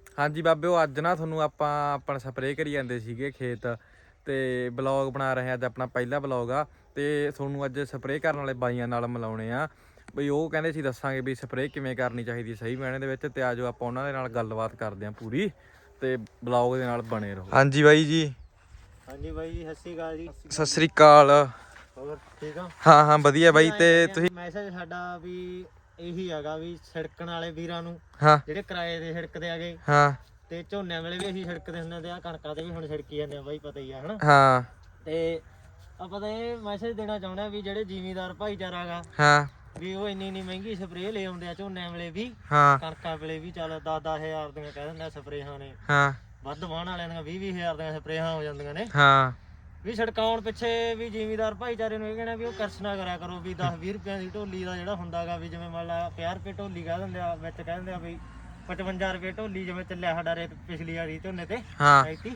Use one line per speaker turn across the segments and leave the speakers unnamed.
ਹਾਂਜੀ ਬਾਬੇ, ਉਹ ਅੱਜ ਨਾ ਤੁਹਾਨੂੰ ਆਪਾਂ ਸਪਰੇਅ ਕਰੀ ਜਾਂਦੇ ਸੀਗੇ ਖੇਤ, ਤੇ ਬਲੌਗ ਬਣਾ ਰਹੇ ਆ। ਅੱਜ ਆਪਣਾ ਪਹਿਲਾ ਬਲੌਗ ਆ, ਤੇ ਤੁਹਾਨੂੰ ਅੱਜ ਸਪਰੇਅ ਕਰਨ ਵਾਲੇ ਬਾਈਆਂ ਨਾਲ ਮਿਲਾਉਣੇ ਆ ਬਈ। ਉਹ ਕਹਿੰਦੇ ਸੀ ਦੱਸਾਂਗੇ ਵੀ ਸਪਰੇਅ ਕਿਵੇਂ ਕਰਨੀ ਚਾਹੀਦੀ ਸਹੀ ਮਾਇਨੇ ਦੇ ਵਿੱਚ, ਤੇ ਆਜੋ ਆਪਾਂ ਉਹਨਾਂ ਦੇ ਨਾਲ ਗੱਲਬਾਤ ਕਰਦੇ ਹਾਂ ਪੂਰੀ, ਤੇ ਬਲੌਗ ਦੇ ਨਾਲ ਬਣੇ ਰਹੋ। ਹਾਂਜੀ ਬਾਈ ਜੀ।
ਹਾਂਜੀ ਬਾਈ ਜੀ, ਸਤਿ ਸ਼੍ਰੀ ਅਕਾਲ ਜੀ।
ਸਤਿ ਸ੍ਰੀ ਅਕਾਲ।
ਹੋਰ ਠੀਕ ਆ?
ਹਾਂ ਹਾਂ ਵਧੀਆ ਬਾਈ। ਤੇ ਤੁਸੀਂ
ਮੈਸੇਜ ਸਾਡਾ ਵੀ ਇਹੀ ਹੈਗਾ ਵੀ ਛਿੜਕਣ ਵਾਲੇ ਵੀਰਾਂ ਨੂੰ,
ਹਾਂ
ਜਿਹੜੇ ਕਿਰਾਏ ਦੇ ਛਿੜਕਦੇ ਆਗੇ,
ਹਾਂ
ਤੇ ਝੋਨਿਆਂ ਵੇਲੇ ਵੀ ਅਸੀਂ ਛਿੜਕਦੇ ਹੁੰਦੇ ਤੇ ਆ ਕਣਕਾਂ ਤੇ ਵੀ ਹੁਣ ਛਿੜਕੀ ਜਾਂਦੇ ਆ ਬਾਈ, ਪਤਾ ਹੀ ਆ ਹਨਾ।
ਹਾਂ
ਤੇ ਆਪਾਂ ਤਾਂ ਇਹ ਮੈਸੇਜ ਦੇਣਾ ਚਾਹੁੰਦੇ ਆ ਵੀ ਜਿਹੜੇ ਜ਼ਿਮੀਂਦਾਰ ਭਾਈਚਾਰਾ ਗਾ,
ਹਾਂ
ਵੀ ਉਹ ਇੰਨੀ ਮਹਿੰਗੀ ਸਪਰੇਅ ਲੈ ਆਉਂਦੇ ਆ ਝੋਨਿਆਂ ਵੇਲੇ ਵੀ,
ਹਾਂ
ਕਣਕਾਂ ਵੇਲੇ ਵੀ। ਚੱਲ 10-10 ਹਜ਼ਾਰ ਦੀਆਂ ਕਹਿ ਦਿੰਦੇ ਆ ਸਪਰੇਹਾਂ ਨੇ,
ਹਾਂ
ਵੱਧ ਵਾਹਣ ਵਾਲਿਆਂ ਦੀਆਂ 20-20 ਹਜ਼ਾਰ ਦੀਆਂ ਸਪਰੇਹਾਂ ਹੋ ਜਾਂਦੀਆਂ ਨੇ।
ਹਾਂ
ਵੀ ਛੜਕਾਉਣ ਪਿੱਛੇ ਵੀ ਜ਼ਿਮੀਂਦਾਰ ਭਾਈਚਾਰੇ ਨੂੰ ਇਹ ਕਹਿਣਾ ਵੀ ਉਹ ਕਰਸ ਨਾ ਕਰਿਆ ਕਰੋ ਵੀ 10-20 ਰੁਪਏ ਦੀ ਢੋਲੀ ਦਾ ਜਿਹੜਾ ਹੁੰਦਾਗਾ, ਵੀ ਜਿਵੇਂ ਮੰਨ ਲਾ 50 ਰੁਪਏ ਢੋਲੀ ਕਹਿ ਦਿੰਦੇ ਆ, ਵਿੱਚ ਕਹਿ ਦਿੰਦੇ ਆ ਵੀ 55 ਰੁਪਏ ਢੋਲੀ, ਜਿਵੇਂ ਚੱਲਿਆ ਸਾਡਾ ਰੇਟ ਪਿਛਲੀ ਵਾਰੀ ਝੋਨੇ ਤੇ
ਹਾਂ
ਐਤੀ।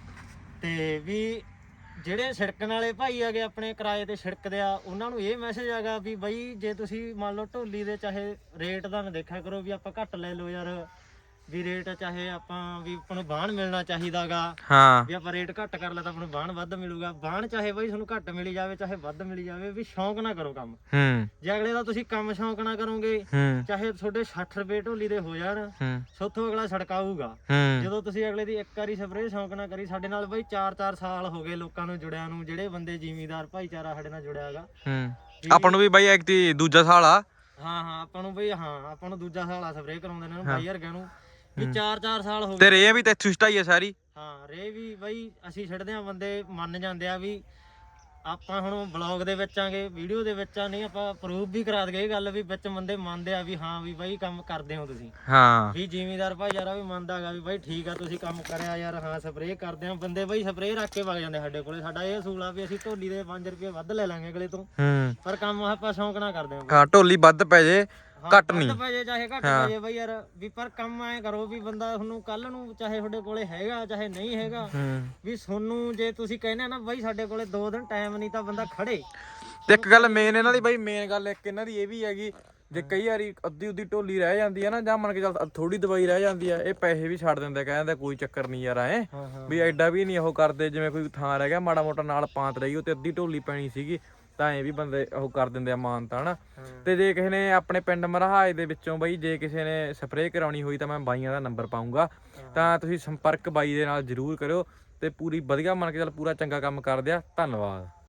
ਤੇ ਵੀ ਜਿਹੜੇ ਛਿੜਕਣ ਵਾਲੇ ਭਾਈ ਹੈਗੇ ਆਪਣੇ ਕਿਰਾਏ ਤੇ ਛਿੜਕਦੇ ਆ, ਉਹਨਾਂ ਨੂੰ ਇਹ ਮੈਸੇਜ ਹੈਗਾ ਵੀ ਬਈ ਜੇ ਤੁਸੀਂ ਮੰਨ ਲਓ ਢੋਲੀ ਦੇ ਚਾਹੇ ਰੇਟ ਦਾ ਨਾ ਦੇਖਿਆ ਕਰੋ ਵੀ ਆਪਾਂ ਘੱਟ ਲੈ ਲਓ ਯਾਰ, ਵੀ ਰੇਟ ਚਾਹੇ ਆਪਾਂ ਵੀ ਆਪਾਂ ਨੂੰ ਬਾਣ ਮਿਲਣਾ ਚਾਹੀਦਾਗਾ,
ਹਾਂ
ਵੀ ਆਪਾਂ ਰੇਟ ਘੱਟ ਕਰ ਲਾ ਤਾਂ ਆਪਾਂ ਨੂੰ ਬਾਣ ਵੱਧ ਮਿਲੂਗਾ। ਬਾਣ ਚਾਹੇ ਬਾਈ ਤੁਹਾਨੂੰ ਘੱਟ ਮਿਲੀ ਜਾਵੇ ਚਾਹੇ ਵੱਧ ਮਿਲੀ ਜਾਵੇ, ਵੀ ਸ਼ੌਂਕ ਨਾ ਕਰੋ ਕੰਮ। ਜੇ ਅਗਲੇ ਦਾ ਤੁਸੀਂ ਕੰਮ ਸ਼ੌਂਕ ਨਾ ਕਰੋਗੇ, ਚਾਹੇ ਤੁਹਾਡੇ 60 ਰੁਪਏ ਢੋਲੀ ਦੇ ਹੋ ਜਾਣ, ਸੋਥੋਂ ਅਗਲਾ ਛੜਕਾਊਗਾ। ਜਦੋਂ ਤੁਸੀਂ ਅਗਲੇ ਦੀ ਇੱਕ ਵਾਰੀ ਸਪਰੇਅ ਸ਼ੌਂਕ ਨਾ ਕਰੀ, ਸਾਡੇ ਨਾਲ ਬਾਈ 4-4 ਸਾਲ ਹੋ ਗਏ ਲੋਕਾਂ ਨੂੰ ਜੁੜਿਆ ਨੂੰ, ਜਿਹੜੇ ਬੰਦੇ ਜ਼ਿਮੀਂਦਾਰ ਭਾਈਚਾਰਾ ਸਾਡੇ ਨਾਲ ਜੁੜਿਆ ਹੈਗਾ।
ਆਪਾਂ ਨੂੰ ਵੀ ਬਾਈ ਇੱਕ ਦੂਜਾ ਸਾਲ ਆ।
ਹਾਂ ਹਾਂ ਆਪਾਂ ਨੂੰ ਬਈ, ਹਾਂ ਆਪਾਂ ਨੂੰ ਦੂਜਾ ਸਾਲ ਆ ਸਪਰੇਅ ਕਰਾਉਂਦੇ ਇਹਨਾਂ ਨੂੰ ਬਾਈ ਵਰਗਿਆਂ ਨੂੰ, ਵੀ 4-4 ਸਾਲ ਹੋ ਗਏ।
ਤੇ ਰੇ ਵੀ ਤੇ ਇੱਥੋਂ ਸਟਾਈ ਆ ਸਾਰੀ।
ਹਾਂ ਰੇ ਵੀ ਬਈ ਅਸੀਂ ਛੱਡਦੇ ਆ, ਬੰਦੇ ਮੰਨ ਜਾਂਦੇ ਆ ਵੀ ਆਪਾਂ ਹੁਣ ਬਲੌਗ ਦੇ ਵਿੱਚ ਆਂਗੇ, ਵੀਡੀਓ ਦੇ ਵਿੱਚ ਆ, ਨਹੀਂ ਆਪਾਂ ਪ੍ਰੂਫ ਵੀ ਕਰਾ ਦਈਏ ਇਹ ਗੱਲ ਵੀ ਵਿੱਚ ਬੰਦੇ ਮੰਨਦੇ ਆ ਵੀ ਹਾਂ ਵੀ ਬਾਈ ਕੰਮ ਕਰਦੇ ਹੋ ਤੁਸੀਂ।
ਹਾਂ
ਵੀ ਜ਼ਿਮੀਂਦਾਰ ਭਾਈਚਾਰਾ ਵੀ ਮੰਨਦਾ ਹੈਗਾ ਵੀ ਬਾਈ ਠੀਕ ਆ ਤੁਸੀਂ ਕੰਮ ਕਰਿਆ ਯਾਰ, ਹਾਂ ਸਪਰੇਅ ਕਰਦੇ ਆ। ਬੰਦੇ ਬਾਈ ਸਪਰੇਅ ਰੱਖ ਕੇ ਵਗ ਜਾਂਦੇ ਸਾਡੇ ਕੋਲੇ। ਸਾਡਾ ਇਹ ਅਸੂਲ ਆ ਵੀ ਅਸੀਂ ਢੋਲੀ ਦੇ 5 ਰੁਪਏ ਵੱਧ ਲੈ ਲਾਂਗੇ ਅਗਲੇ ਤੋਂ, ਪਰ ਕੰਮ ਆਪਾਂ ਸ਼ੌਂਕ ਨਾ ਕਰਦੇ
ਹਾਂ। ਢੋਲੀ ਵੱਧ ਪੈ ਜੇ ਘੱਟ ਨਹੀਂ
ਪੈ ਚਾਹੇ ਘੱਟ ਪੈ ਜੇ ਬਈ ਯਾਰ, ਵੀ ਪਰ ਕੰਮ ਐ ਕਰੋ ਵੀ ਬੰਦਾ ਤੁਹਾਨੂੰ ਕੱਲ ਨੂੰ ਚਾਹੇ ਤੁਹਾਡੇ ਕੋਲੇ ਹੈਗਾ ਚਾਹੇ ਨਹੀਂ ਹੈਗਾ, ਵੀ ਤੁਹਾਨੂੰ ਜੇ ਤੁਸੀਂ ਕਹਿੰਦੇ ਆ ਨਾ ਬਾਈ ਸਾਡੇ ਕੋਲੇ 2 ਦਿਨ ਟਾਈਮ ਨਹੀਂ ਤਾਂ ਬੰਦਾ ਖੜੇ।
ਤੇ ਇੱਕ ਗੱਲ ਮੇਨ ਇਹਨਾਂ ਦੀ ਬਾਈ, ਮੇਨ ਗੱਲ ਇੱਕ ਇਹਨਾਂ ਦੀ ਇਹ ਵੀ ਹੈਗੀ, ਜੇ ਕਈ ਵਾਰੀ ਅੱਧੀ ਉੱਦੀ ਢੋਲੀ ਰਹਿ ਜਾਂਦੀ ਹੈ ਨਾ, ਜਾਂ ਮੰਨ ਕੇ ਚੱਲ ਥੋੜੀ ਦਵਾਈ ਰਹਿ ਜਾਂਦੀ ਆ, ਇਹ ਪੈਸੇ ਵੀ ਛੱਡ ਦਿੰਦੇ, ਕਹਿੰਦੇ ਕੋਈ ਚੱਕਰ ਨਹੀਂ ਯਾਰ ਐ ਵੀ ਐਡਾ ਵੀ ਨਹੀਂ ਉਹ ਕਰਦੇ। ਜਿਵੇਂ ਕੋਈ ਥਾਂ ਰਹਿ ਗਿਆ ਮਾੜਾ ਮੋਟਾ ਨਾਲ ਪਾਂਤ ਰਹੀ, ਉਹ ਤੇ ਅੱਧੀ ਢੋਲੀ ਪੈਣੀ ਸੀਗੀ, ਤਾਂ ਐ ਵੀ ਬੰਦੇ ਉਹ ਕਰ ਦਿੰਦੇ ਆ ਮਾਨਤਾ ਹਨਾ। ਤੇ ਜੇ ਕਿਸੇ ਨੇ ਆਪਣੇ ਪਿੰਡ ਮਰਹਾਜ ਦੇ ਵਿੱਚੋਂ ਬਈ ਜੇ ਕਿਸੇ ਨੇ ਸਪਰੇਅ ਕਰਾਉਣੀ ਹੋਈ ਤਾਂ ਮੈਂ ਬਾਈਆਂ ਦਾ ਨੰਬਰ ਪਾਊਂਗਾ, ਤਾਂ ਤੁਸੀਂ ਸੰਪਰਕ ਬਾਈ ਦੇ ਨਾਲ ਜ਼ਰੂਰ ਕਰਿਓ, ਤੇ ਪੂਰੀ ਵਧੀਆ ਮੰਨ ਕੇ ਚੱਲ ਪੂਰਾ ਚੰਗਾ ਕੰਮ ਕਰਦੇ ਆ। ਧੰਨਵਾਦ।